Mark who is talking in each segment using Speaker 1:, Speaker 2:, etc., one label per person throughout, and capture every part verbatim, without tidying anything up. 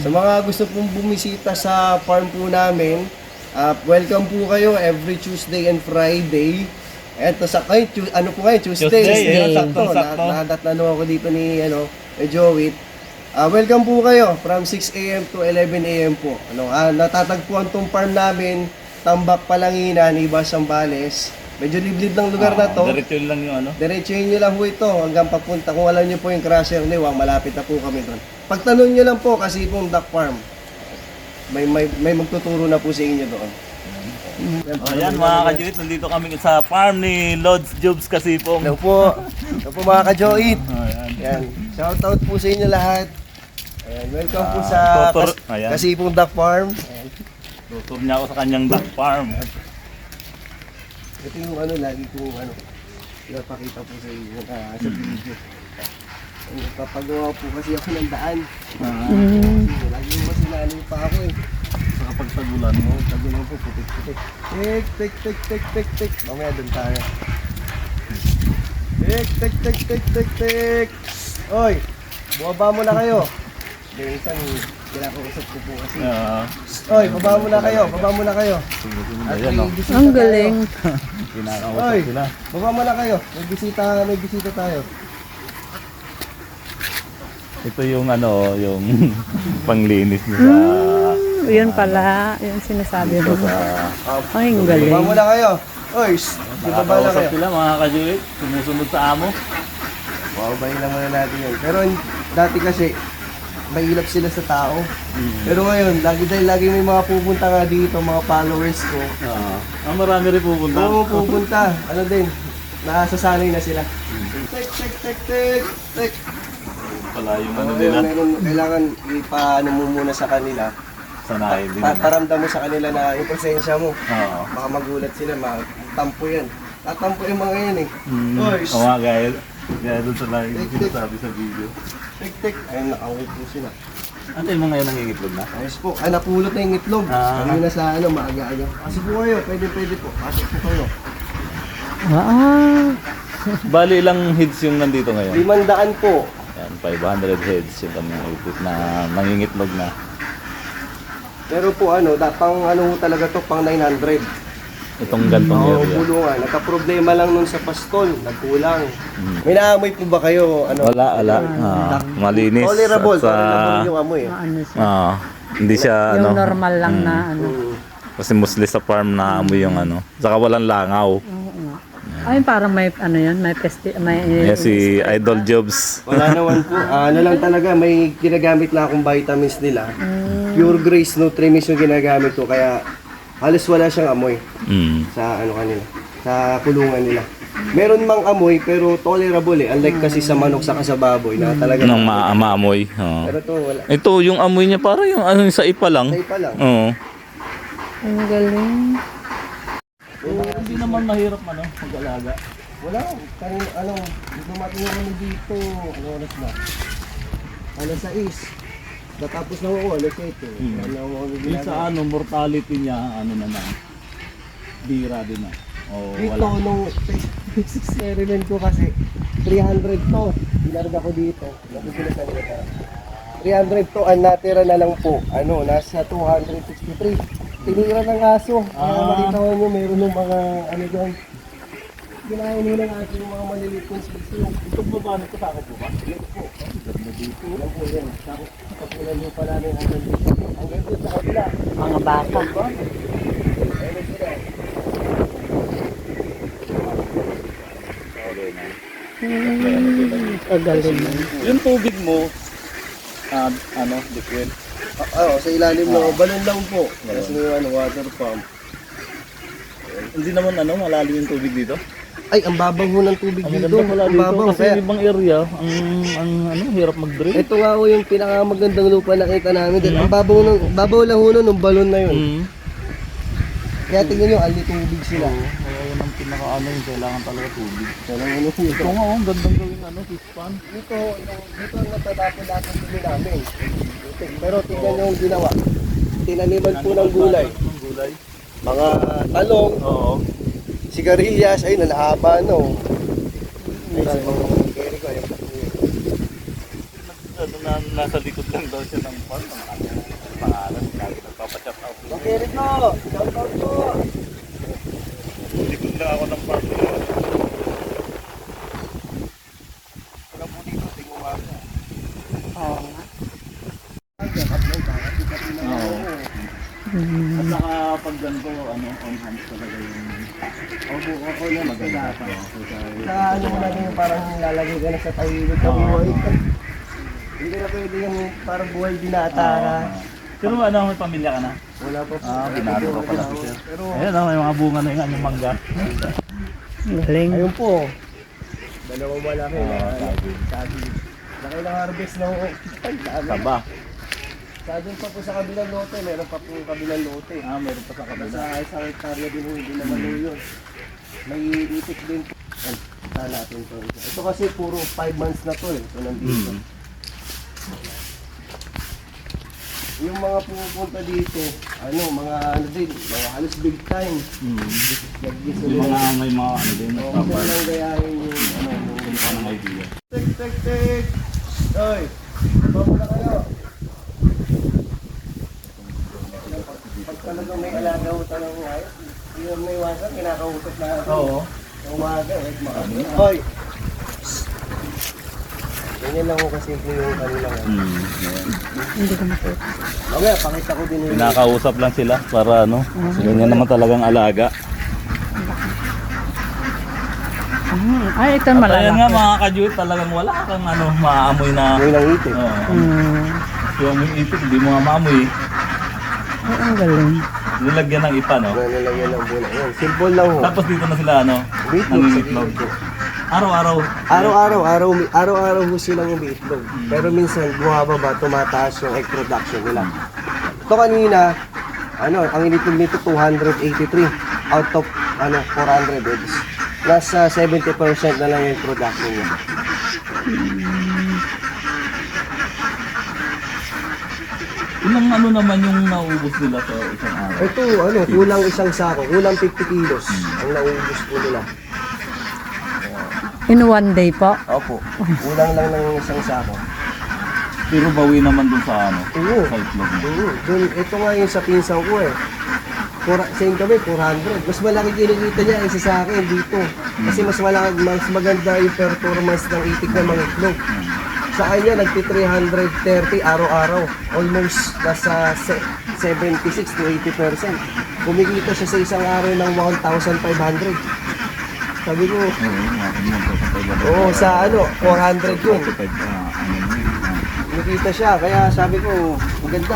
Speaker 1: Sa mga gusto pong bumisita sa farm po namin, uh, welcome po kayo every Tuesday and Friday. Eto sa kayo, ano po ngayon, Tuesday.
Speaker 2: Tuesday,
Speaker 1: Tuesday. Sakto,
Speaker 2: sakto.
Speaker 1: nadatnano ako dito ni ano, ni Joey. Uh, welcome po kayo from six a m to eleven a m po. Ano, uh, natatagpuan tong farm namin, Tambak Palanginan, Iba Sambales. Medyo liblib ng lugar na to.
Speaker 2: Diretso lang yung ano.
Speaker 1: Diretsuhin nyo lang po ito hanggang papunta. Kung alam nyo po yung Crusher Liwang, malapit na po kami doon. Pagtanong nyo lang po kasi pong duck farm. May, may, may magtuturo na po sa inyo doon.
Speaker 2: Oh, yan mga kajuit, nandito kami sa farm ni Lods Jobs Kasipong.
Speaker 1: Hello po. Hello po mga ka-Joit.
Speaker 2: Oh, yan.
Speaker 1: Yan. Shout out po sa inyo lahat. Ayan, welcome po sa
Speaker 2: Ah, tutor-
Speaker 1: kas-
Speaker 2: ayan.
Speaker 1: Kasipong Duck Farm. Ayan.
Speaker 2: Tutur niya ako sa kanyang duck farm.
Speaker 1: Ito yung ano, lagi kong ano, pinapakita po sa inyo na sa video. Kapagawa po kasi ako ng daan.
Speaker 2: Ah,
Speaker 1: Kasi lagi mo kasi naano pa ako eh.
Speaker 2: sa kapag tagulan mo.
Speaker 1: Tagulang po, putik-putik. Tik, tik, tik, tik, tik, tik. Mamaya doon tayo. Tik, tik, tik, tik, tik, tik. Oy, bumaba muna kayo. Yung isang kinakausap ko po kasi.
Speaker 2: Ah,
Speaker 1: Oy, baba muna kayo, baba muna kayo. At
Speaker 2: ayan,
Speaker 1: may
Speaker 2: oh.
Speaker 1: bisita
Speaker 3: Ang
Speaker 1: tayo.
Speaker 3: galing.
Speaker 2: Kinakausap
Speaker 1: Oy,
Speaker 2: sila.
Speaker 1: baba muna kayo. May bisita, may bisita tayo.
Speaker 2: Ito yung ano, yung panglinis niya sa...
Speaker 3: Yun pala, yun sinasabi mo.
Speaker 2: Sa...
Speaker 3: Ay, ang galing.
Speaker 1: Baba muna kayo. Oy, shh, di baba na
Speaker 2: Nakakausap
Speaker 1: kayo.
Speaker 2: sila mga kajuit. Sumusunod sa amo.
Speaker 1: Babayin lang muna natin yun. Pero dati kasi, mahilap sila sa tao. Pero ngayon, lagi dahil lagi may mga pupunta nga dito, mga followers ko.
Speaker 2: Ah, ah, marami rin pupunta.
Speaker 1: Oo, pupunta. Ano din, nasasanay na sila. Tek, tek, tek, tek, tek.
Speaker 2: Pala yung ano
Speaker 1: Oo,
Speaker 2: nila.
Speaker 1: meron, kailangan ipaano mo muna sa kanila.
Speaker 2: Sanayin din.
Speaker 1: Pa- paramdam mo sa kanila na yung presensya mo.
Speaker 2: Oo.
Speaker 1: Baka magulat sila, matampo yan. Tatampo yung mga yan eh.
Speaker 2: Mm.
Speaker 1: Oy,
Speaker 2: Oo nga, gaya. Gaya doon sa lagi
Speaker 1: Tik, tik.
Speaker 2: sinasabi sa video.
Speaker 1: tek, tek. Ayun, nakauwi po sila.
Speaker 2: Ano yung mga yan nangingitlog na?
Speaker 1: Ayos po. Ah, napulot na yung itlog.
Speaker 2: Ah.
Speaker 1: Kanina sa ano, maaga-aga. Kasi po kayo, pwede pwede po. Pasok po kayo.
Speaker 3: Ah,
Speaker 2: Bali ilang heads yung nandito ngayon?
Speaker 1: Limandaan po.
Speaker 2: Yan, five hundred heads yung kami ipit na nangingitlog na.
Speaker 1: Pero po ano, da, pang ano ho talaga to, pang nine hundred.
Speaker 2: Itong gantong
Speaker 1: Oo,
Speaker 2: area.
Speaker 1: bulungan. Nagka-problema lang nun sa pastol. Nagkulang.
Speaker 2: Mm.
Speaker 1: May naamoy po ba kayo? Ano?
Speaker 2: Wala, wala. Ah, malinis.
Speaker 1: Tolerable.
Speaker 2: At sa-
Speaker 1: Tolerable yung amoy. eh.
Speaker 3: ano siya.
Speaker 2: Ah, hindi siya ano.
Speaker 3: Yung normal lang na ano.
Speaker 1: Mm.
Speaker 2: Kasi mostly sa farm na amoy yung ano. Saka walang langaw.
Speaker 3: Oo nga. Ay, parang may ano yun, may pesti, may...
Speaker 2: Yan si Idol Jobs.
Speaker 1: Wala naman po. Ah, ano lang talaga, may ginagamit na akong vitamins nila.
Speaker 3: Mm.
Speaker 1: Pure Grace Nutrimix yung ginagamit ko. Kaya halos wala siyang amoy
Speaker 2: Mm.
Speaker 1: sa ano kanila, sa kulungan nila. Meron mang amoy pero tolerable eh. Unlike kasi sa manok saka sa baboy na talaga.
Speaker 2: Nang ma maamoy. Oo.
Speaker 1: Pero to wala.
Speaker 2: Ito, yung amoy niya parang yung ano sa ipa lang.
Speaker 1: Tay pa lang.
Speaker 2: Oo.
Speaker 3: Ang galing.
Speaker 2: Hindi naman mahirap ano, mag-alaga.
Speaker 1: Wala. Kanina, ano, dumating ako dito. Ano oras na? Alas sais. Natapos na ako, alas eight eh.
Speaker 2: Hmm.
Speaker 1: Wala na ako
Speaker 2: Yung
Speaker 1: ginagawa.
Speaker 2: sa ano, mortality niya, ano naman, bira din na. O
Speaker 1: Dito,
Speaker 2: wala.
Speaker 1: nung experiment ko kasi, three hundred to. Binarga ko dito. Nakukulit na nila. three hundred to, ang natira na lang po. Ano, nasa two hundred sixty-three. Tinira ng aso. Kaya
Speaker 2: Ah.
Speaker 1: makita ko nyo, meron ng mga, ano doon. Ginahin nila ng aso yung mga maliliit kong sisiyo.
Speaker 2: Itong baba nito sa ako po ba?
Speaker 1: Dito po. Dito. Yan po yan. Tapos, kapulan nyo pa namin hanggang dito. Hanggang dito sa kabila.
Speaker 3: Mga baka.
Speaker 1: Ayun sila.
Speaker 3: Hmm, ang galing.
Speaker 2: Yung tubig mo, ah, ano, liquid.
Speaker 1: Ah, oh, sa ilalim ng balon lang po. Tapos may ano, water pump.
Speaker 2: Hindi naman ano, malalim yung tubig dito.
Speaker 1: Ay, ang babaw ho ng tubig
Speaker 2: Ang
Speaker 1: dito.
Speaker 2: maganda pala
Speaker 1: Ang
Speaker 2: dito
Speaker 1: babaw.
Speaker 2: kasi
Speaker 1: Kaya,
Speaker 2: yung ibang area, ang, ang ano, hirap mag-drill.
Speaker 1: ito nga ho yung pinakamagandang lupa nakita namin. Dahil ang babaw, ng, babaw lang ho nun, ng balon na yun.
Speaker 2: Mm.
Speaker 1: Kaya tingnan nyo, ali tubig sila.
Speaker 2: Kaya yun ang pinaka ano, yung kailangan talaga tubig.
Speaker 1: So, ano yun?
Speaker 2: Ito nga, oh, ang gandang gawin ano, fish pan.
Speaker 1: Dito, yung- dito ang natatapon-tapon dumi namin. Pero tingnan nyo yung ginawa. Tinaniman po ng gulay.
Speaker 2: Ng gulay.
Speaker 1: Mga talong,
Speaker 2: Oo.
Speaker 1: sigarilyas, ay nalahaba no. Ay, sa mga carry ko, ayun.
Speaker 2: ano, na, nasa likod lang daw siya ng farm. Ang kanyang pangalan, lagi nagpapachat out.
Speaker 1: Okay, Rico! Shout out po!
Speaker 2: Likod lang ako ng farm.
Speaker 1: Wala po dito, tinguwa ko.
Speaker 3: Oo nga.
Speaker 2: Oo.
Speaker 3: Mm.
Speaker 2: At saka pag ganito, ano, on hand talaga yung...
Speaker 1: Opo, ako na
Speaker 2: Maganda
Speaker 1: maganda.
Speaker 2: pa.
Speaker 1: Sa ano mo natin yung parang lalagay ka na sa tawilid na
Speaker 2: Oo.
Speaker 1: buhay. Hindi na pwede yung parang buhay binata na.
Speaker 2: Pero ano, may pamilya ka na?
Speaker 1: Wala pa po.
Speaker 2: Ah, binalo pa pala si sir.
Speaker 1: Pero,
Speaker 2: Ayun oh, may mga bunga na yung anyong mangga.
Speaker 3: Galing.
Speaker 1: ayun po. Dalawang malaki na.
Speaker 2: Ah, sabi.
Speaker 1: Sabi. Laki ng harvest ng ay, dami.
Speaker 2: Taba.
Speaker 1: Sabi pa po sa kabilang lote, meron pa po kabilang lote.
Speaker 2: Ah, meron pa sa kabila.
Speaker 1: Sa isang hektarya din po, hindi naman po yun. May itik din po. Ay, saan natin to. Ito kasi puro five months na to eh. So nandito.
Speaker 2: Hmm.
Speaker 1: Yung mga pumupunta dito, ano, mga ano din, mga halos big time.
Speaker 2: Hmm.
Speaker 1: Nag-gusto
Speaker 2: Yung
Speaker 1: nila.
Speaker 2: mga may mga ano din,
Speaker 1: Oo,
Speaker 2: nagpapal.
Speaker 1: sila lang gayahin yung ano, yung...
Speaker 2: Kung ano ng idea.
Speaker 1: Tek, tek, tek! Oy! Babo na kayo! Pag talagang may alaga ho talagang ngayon, hindi naman may iwasan, kinakausap na ako.
Speaker 2: Oo.
Speaker 1: Yung umaga, eh, makami. Oy! Ganyan lang ko kasi yung kanila ngayon.
Speaker 2: Hmm. Ayan.
Speaker 3: Hindi ko makita.
Speaker 1: Mamaya, pakita ko din yung...
Speaker 2: Pinakausap lang sila para ano, ganyan naman talagang alaga.
Speaker 3: Mm. Ay, ito
Speaker 2: At ayan nga
Speaker 3: malalaki.
Speaker 2: mga kajuit, talagang wala kang ano, maamoy na...
Speaker 1: Yung lang itik.
Speaker 2: Oo.
Speaker 3: Mm.
Speaker 2: Yung itik, hindi mo nga maamoy.
Speaker 3: Ay, ang galing.
Speaker 2: Nilagyan ng ipa, no?
Speaker 1: Ano lang yan ang buna. Yan, simple lang ho.
Speaker 2: Tapos dito na sila, ano,
Speaker 1: Bitlog sa
Speaker 2: nangingitlog.
Speaker 1: gilid.
Speaker 2: Araw-araw.
Speaker 1: Araw-araw, araw, araw-araw ho silang umiitlog. Pero minsan, bumababa, tumataas yung egg production nila. Ito kanina, ano, ang initlog nito two hundred eighty-three out of ano four hundred eggs. Nasa seventy percent na lang yung production niya.
Speaker 2: Ilang ano naman yung naubos nila sa isang araw?
Speaker 1: Ito, ano, kulang isang sako, kulang fifty kilos ang naubos po nila.
Speaker 3: In one day po.
Speaker 1: Opo, kulang lang ng isang sako.
Speaker 2: Pero bawi naman dun sa ano,
Speaker 1: Oo.
Speaker 2: sa itlog mo.
Speaker 1: Oo, dun, ito nga yung sa pinsan ko eh. Four, same kami, four hundred. Mas malaki kinikita niya isa sa akin dito. Kasi mas malaki, mas maganda yung performance ng itik ng mga itlog. Sa kanya, nagti three thirty araw-araw. Almost nasa se- seventy-six to eighty percent. Kumikita siya sa isang araw ng one thousand five hundred. Sabi ko,
Speaker 2: Oo, mga ganyan po sa pwede.
Speaker 1: oo, sa ano, four hundred yun.
Speaker 2: Pwede, ah, ano mo yun, ah.
Speaker 1: Kumikita siya, kaya sabi ko, maganda.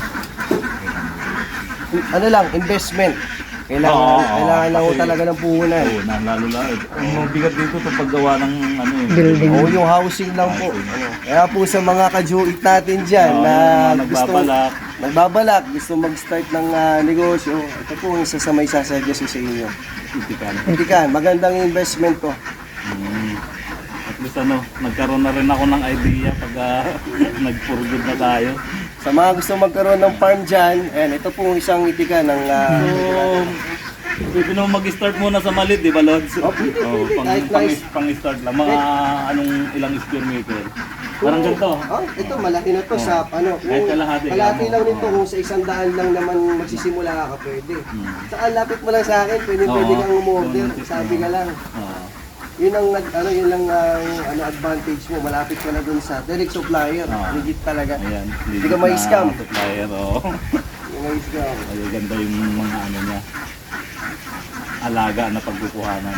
Speaker 1: Ano lang, investment. Kailangan,
Speaker 2: Oo, oo,
Speaker 1: kailangan lang ho
Speaker 2: kasi-
Speaker 1: talaga ng puhunan.
Speaker 2: Oo, na, lalo lalo. Ang mabigat dito sa paggawa ng ano eh.
Speaker 3: Building.
Speaker 1: Oo, yung housing lang po. Ano, kaya po sa mga kajuit natin dyan
Speaker 2: Oo,
Speaker 1: na
Speaker 2: yung mga
Speaker 1: gusto,
Speaker 2: nagbabalak.
Speaker 1: nagbabalak, gusto mag-start ng ah, negosyo, ito po yung isa sa may sasuggest ko sa inyo.
Speaker 2: Itikan.
Speaker 1: Hindi ka, magandang investment to.
Speaker 2: Mm. At least ano, nagkaroon na rin ako ng idea pag uh, nag-forgood na tayo.
Speaker 1: Sa mga gusto magkaroon ng farm dyan, ayan, ito po isang itika ng... ah,
Speaker 2: So, pwede naman mag-start muna sa maliit, di ba, Lods?
Speaker 1: Oh, pwede,
Speaker 2: Oo,
Speaker 1: pwede.
Speaker 2: pang,
Speaker 1: Kahit
Speaker 2: pang,
Speaker 1: nice.
Speaker 2: pang-start lang. Mga anong ilang square meter. Parang ganito.
Speaker 1: Oh, ito malaki na to sa ano.
Speaker 2: Kahit kalahati,
Speaker 1: kalahati
Speaker 2: ano.
Speaker 1: lang nito kung sa isang daan lang naman magsisimula ka pwede. Saka lapit mo lang sa akin, pwede
Speaker 2: Oo.
Speaker 1: pwede kang umorder,
Speaker 2: Oo.
Speaker 1: sabi ka lang.
Speaker 2: Oo.
Speaker 1: Yun ang nag ano yun lang ang ano advantage mo, malapit ka na dun sa direct supplier.
Speaker 2: Oo.
Speaker 1: Legit talaga.
Speaker 2: Ayan.
Speaker 1: Hindi ka may scam.
Speaker 2: Supplier, oo.
Speaker 1: Yung may scam.
Speaker 2: Ay, ganda yung mga ano niya. Alaga na pagkukuhanan.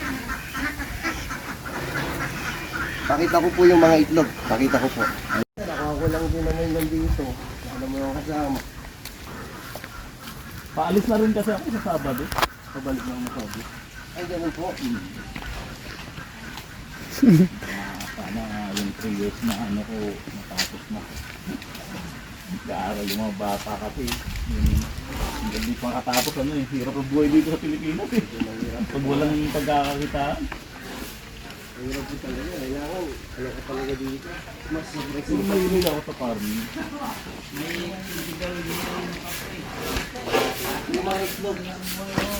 Speaker 1: Pakita ko po yung mga itlog. Pakita ko po. Nakuha ko lang din naman yung dito. Alam mo yung kasama.
Speaker 2: Paalis na rin kasi ako sa Sabado. Pabalik lang sa Sabado.
Speaker 1: Ay, ganun po.
Speaker 2: Ah, sana yung three years na ano ko matapos na. Nag-aaral yung mga bata kasi. Yung, hindi pa makatapos ano eh. Hirap ang buhay dito sa Pilipinas eh. Pag walang pagkakakitaan.
Speaker 1: Hirap po talaga. Kailangan, ano ka talaga dito. Mas
Speaker 2: Kasi
Speaker 1: aggressive.
Speaker 2: mahilig ako sa farming.
Speaker 1: Yung mga itlog.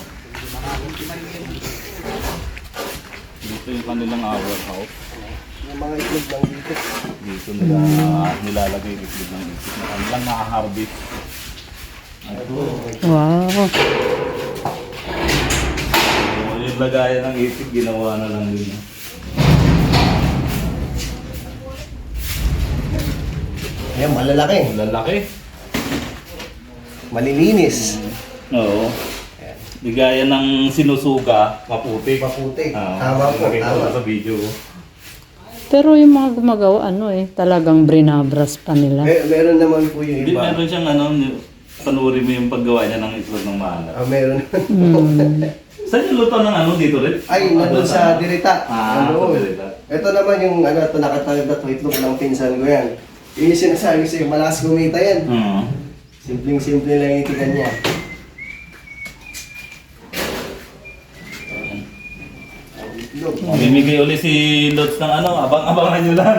Speaker 2: Dito yung kanilang our house.
Speaker 1: Yung mga itlog lang dito.
Speaker 2: Dito nila nilalagay yung itlog ng itlog na kanilang nakaharvest. Ito.
Speaker 3: Wow.
Speaker 2: So, yung lagayan ng itlog, ginawa na lang din.
Speaker 1: Ayan, malalaki.
Speaker 2: Lalaki.
Speaker 1: Malilinis.
Speaker 2: Oo. Di gaya ng sinusuga, maputi.
Speaker 1: Maputi.
Speaker 2: Oo.
Speaker 1: Tama po,
Speaker 2: Nakita ko
Speaker 1: tama.
Speaker 2: na sa video.
Speaker 3: Pero yung mga gumagawa, ano eh, talagang brinabras pa nila.
Speaker 1: Mer- meron naman po yung
Speaker 2: Hindi,
Speaker 1: iba.
Speaker 2: meron siyang ano, panurin mo yung paggawa niya ng itlog ng maalat.
Speaker 1: Ah, meron.
Speaker 3: Hmm.
Speaker 2: Saan yung luto ng ano dito rin?
Speaker 1: Ay, nandun sa Dirita.
Speaker 2: Ah,
Speaker 1: Ano?
Speaker 2: sa Dirita.
Speaker 1: Ito naman yung ano, ito nakatagad na itlog ng pinsan ko yan. Yun yung sinasabi sa'yo, malakas kumita yan.
Speaker 2: Hmm.
Speaker 1: Simpleng-simple lang yung tikan niya. Ang itlog.
Speaker 2: Mamimigay uli si Lods ng ano, abang-abangan nyo lang.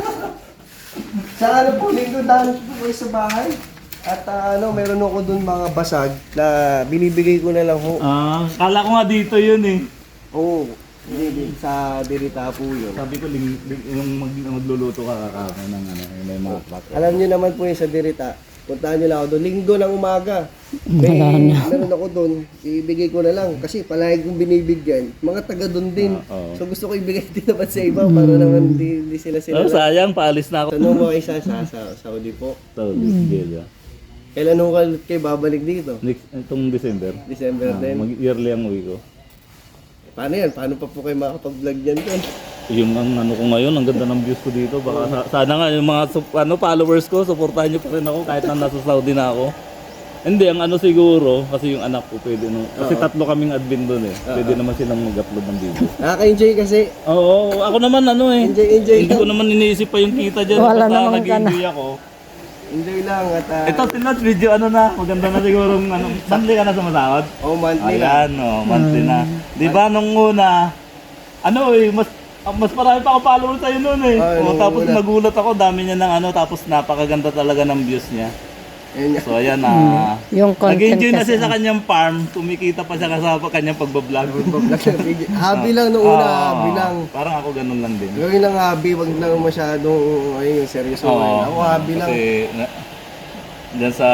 Speaker 1: Sa ano po, linggo dahil po kayo sa bahay. At ah, ano, meron ako dun mga basag na binibigay ko na lang ho.
Speaker 2: Ah, kala ko nga dito yun eh.
Speaker 1: Oo, hindi din sa Dirita po yun.
Speaker 2: Sabi ko, ling, ling, yung mag, magluluto ka kakaka ng ano, yung may mga plato.
Speaker 1: Alam niyo naman po yung sa Dirita. Puntahan niyo lang ako doon. Linggo ng umaga. May meron ako doon. Ibigay ko na lang. Kasi palagi kong binibigyan. Mga taga doon din.
Speaker 2: Ah, oo.
Speaker 1: So gusto ko ibigay din naman sa iba para naman di, di sila sila.
Speaker 2: Oh, sayang, paalis na ako.
Speaker 1: Tanong mo isa sa, sa Saudi po.
Speaker 2: So, this
Speaker 1: Kailan ho kayo babalik dito?
Speaker 2: Next, itong December.
Speaker 1: December
Speaker 2: Ah,
Speaker 1: din.
Speaker 2: mag-yearly ang uwi ko.
Speaker 1: Paano yan? Paano pa po kayo makapag-vlog dyan doon?
Speaker 2: Yung ang ano ko ngayon, ang ganda ng views ko dito. Baka sa- sana nga yung mga sup- ano, followers ko, supportahan nyo pa rin ako kahit na nasa Saudi na ako. Hindi, ang ano siguro, kasi yung anak ko pwede no. Kasi
Speaker 1: Oo.
Speaker 2: tatlo kaming admin doon eh. Pwede naman silang mag-upload ng video.
Speaker 1: Nakaka-enjoy kasi.
Speaker 2: Oo, ako naman ano eh.
Speaker 1: Enjoy, enjoy
Speaker 2: Hindi ko naman iniisip pa yung kita dyan.
Speaker 3: Wala
Speaker 2: Basta
Speaker 3: naman ka na.
Speaker 2: nag-enjoy ako.
Speaker 1: Enjoy lang at uh,
Speaker 2: Ito, tinat video ano na. Maganda na siguro ng ano. Monthly ka na sumasahod?
Speaker 1: oh, monthly na.
Speaker 2: Ayan, oh, monthly na. Di ba nung una, ano eh, mas ah, mas marami pa ako follower sa'yo noon eh.
Speaker 1: Ay,
Speaker 2: Oh,
Speaker 1: nung
Speaker 2: tapos
Speaker 1: una.
Speaker 2: nagulat ako, dami niya ng ano, tapos napakaganda talaga ng views niya.
Speaker 1: Ayun nga.
Speaker 2: So ayan na.
Speaker 3: Yung content
Speaker 2: Nag-enjoy na
Speaker 3: kasi.
Speaker 2: siya sa kanyang farm, kumikita pa siya sa kanyang pagbablog.
Speaker 1: Hobby lang noong una,
Speaker 2: Oo,
Speaker 1: hobby lang.
Speaker 2: Parang ako ganun lang din.
Speaker 1: Gawin lang hobby, wag lang masyadong ayun, seryoso.
Speaker 2: Oo,
Speaker 1: Ako hobby lang.
Speaker 2: Kasi na, dyan sa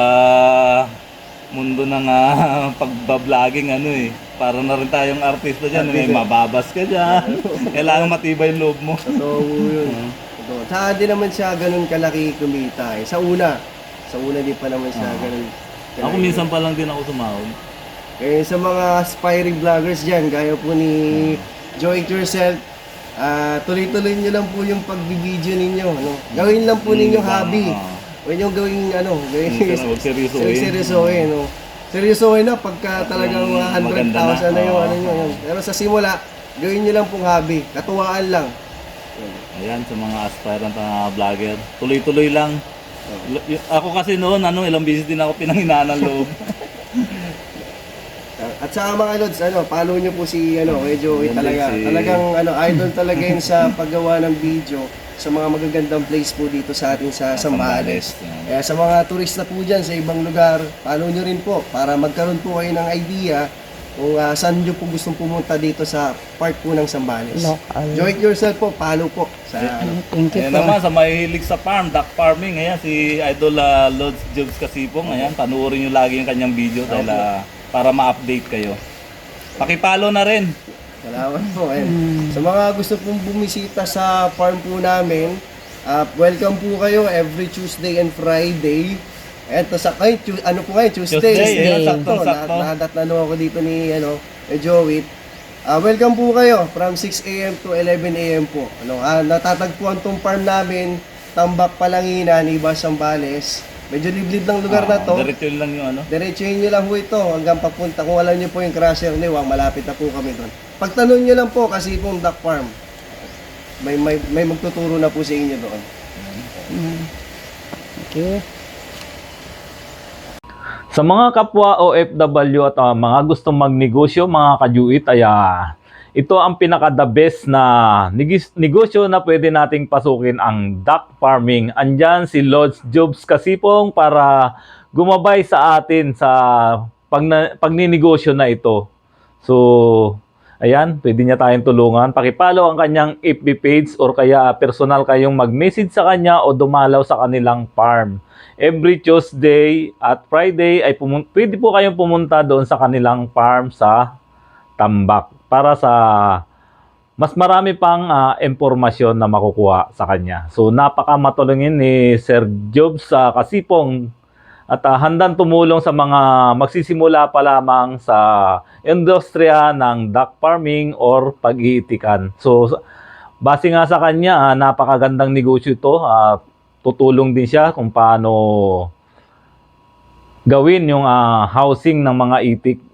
Speaker 2: mundo ng ah, pagbabloging ano eh, para na rin tayong artista dyan, may mababas ka dyan. Kailangan matibay yung loob mo.
Speaker 1: Totoo po yun. Totoo. Tsaka di naman siya ganun kalaki kumita eh. Sa una. Sa una di pa naman siya ganun kalaki.
Speaker 2: Ako minsan pa lang din ako sumahod.
Speaker 1: Eh, sa mga aspiring vloggers dyan, gaya po ni Joy It Yourself, ah, tuloy-tuloy nyo lang po yung pag-video ninyo. Ano? Gawin lang po ninyong
Speaker 2: Mm,
Speaker 1: hobby.
Speaker 2: tama.
Speaker 1: Huwag nyo gawin ano, gawin
Speaker 2: Minsan huwag seryosohin.
Speaker 1: seryosohin. No? Seryosohin na pagka talagang
Speaker 2: Yung
Speaker 1: one hundred
Speaker 2: maganda
Speaker 1: thousand na,
Speaker 2: na,
Speaker 1: yung
Speaker 2: oo.
Speaker 1: ano nyo. Yun. Pero sa simula, gawin nyo lang pong hobby. Katuwaan lang.
Speaker 2: Ayan, sa mga aspirant na vlogger, tuloy-tuloy lang. L- y- Ako kasi noon, ano, ilang beses din ako pinanghinaan ng loob.
Speaker 1: At sa mga lods, ano, follow nyo po si ano, kay Joey
Speaker 2: Yan
Speaker 1: talaga.
Speaker 2: din si-
Speaker 1: Talagang ano, idol talaga yun sa paggawa ng video sa mga magagandang place po dito sa ating sa Zambales.
Speaker 2: Yan.
Speaker 1: Kaya sa mga turista po dyan sa ibang lugar, follow nyo rin po para magkaroon po kayo ng idea kung ah, saan nyo po gustong pumunta dito sa part po ng Zambales.
Speaker 3: Local.
Speaker 1: Joy It Yourself po, follow po sa ano.
Speaker 3: Thank you
Speaker 2: Ayan
Speaker 3: po.
Speaker 2: naman, sa mahilig sa farm, duck farming, ayan, si Idol uh, Lods Jobs Kasipong, ayan, panuorin nyo lagi yung kanyang video dahil ah, para ma-update kayo. Pakipalo na rin.
Speaker 1: Salamat po. Eh. Sa mga gusto pong bumisita sa farm po namin, ah, welcome po kayo every Tuesday and Friday. Eto sa ay, tu- ano po ngayon, Tuesday.
Speaker 2: Tuesday,
Speaker 3: eh,
Speaker 2: saktong-sakto.
Speaker 1: Na, nadat na ako dito ni ano, ni Joey. Ah, welcome po kayo from six a m to eleven a m po. Ano, ah, natatagpuan tong farm namin, Tambak Palanginan, Ibas Zambales. Medyo liblib ng lugar na to.
Speaker 2: Ah, diretso lang yung ano.
Speaker 1: Diretsuhin nyo lang po ito hanggang papunta. Kung alam nyo po yung crusher ni Wang, malapit na po kami doon. Pagtanong nyo lang po kasi pong duck farm. May, may, may magtuturo na po sa inyo doon.
Speaker 3: Mm. Okay.
Speaker 2: Sa mga kapwa O F W at ah, mga gustong magnegosyo, mga kajuit, ay ah, ito ang pinaka-the best na negis- negosyo na pwede nating pasukin, ang duck farming. Andyan si Lods Jobs Kasipong para gumabay sa atin sa pagna- pagninegosyo na ito. So, Ayan, pwede niya tayong tulungan. Pakipollow ang kanyang F B page or kaya personal kayong mag-message sa kanya o dumalaw sa kanilang farm. Every Tuesday at Friday ay pumun- pwede po kayong pumunta doon sa kanilang farm sa Tambak para sa mas marami pang ah, impormasyon na makukuha sa kanya. So napaka matulungin ni Sir Job sa Kasipong at ah, handang tumulong sa mga magsisimula pa lamang sa industriya ng duck farming or pag-iitikan. So base nga sa kanya, ah, napakagandang negosyo ito. Ah, tutulong din siya kung paano gawin yung ah, housing ng mga itik